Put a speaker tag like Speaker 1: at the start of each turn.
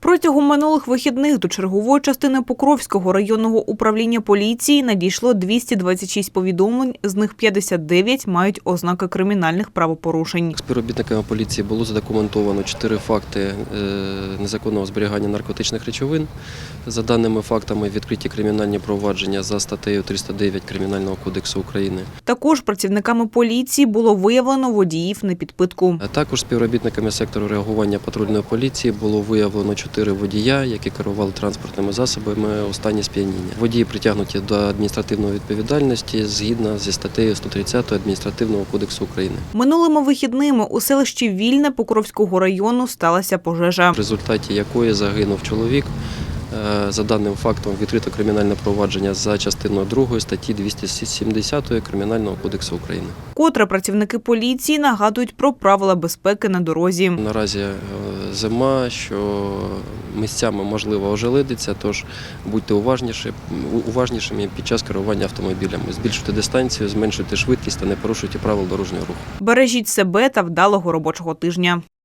Speaker 1: Протягом минулих вихідних до чергової частини Покровського районного управління поліції надійшло 226 повідомлень, з них 59 мають ознаки кримінальних правопорушень.
Speaker 2: Співробітниками поліції було задокументовано 4 факти незаконного зберігання наркотичних речовин. За даними фактами відкриті кримінальні провадження за статтею 309 Кримінального кодексу України.
Speaker 1: Також працівниками поліції було виявлено водіїв на підпитку.
Speaker 2: Також співробітниками сектору реагування патрульної поліції було виявлено 4 водія, які керували транспортними засобами у стані сп'яніння. Водії притягнуті до адміністративної відповідальності згідно зі статтею 130 Адміністративного кодексу України.
Speaker 1: Минулими вихідними у селищі Вільне Покровського району сталася пожежа,
Speaker 2: В результаті якої загинув чоловік. За даним фактом відкрито кримінальне провадження за частиною 2 статті 270 Кримінального кодексу України.
Speaker 1: Котре працівники поліції нагадують про правила безпеки на дорозі.
Speaker 2: Наразі зима, що місцями можливо ожеледиться, тож будьте уважнішими під час керування автомобілями. Збільшуйте дистанцію, зменшуйте швидкість та не порушуйте правил дорожнього руху.
Speaker 1: Бережіть себе та вдалого робочого тижня.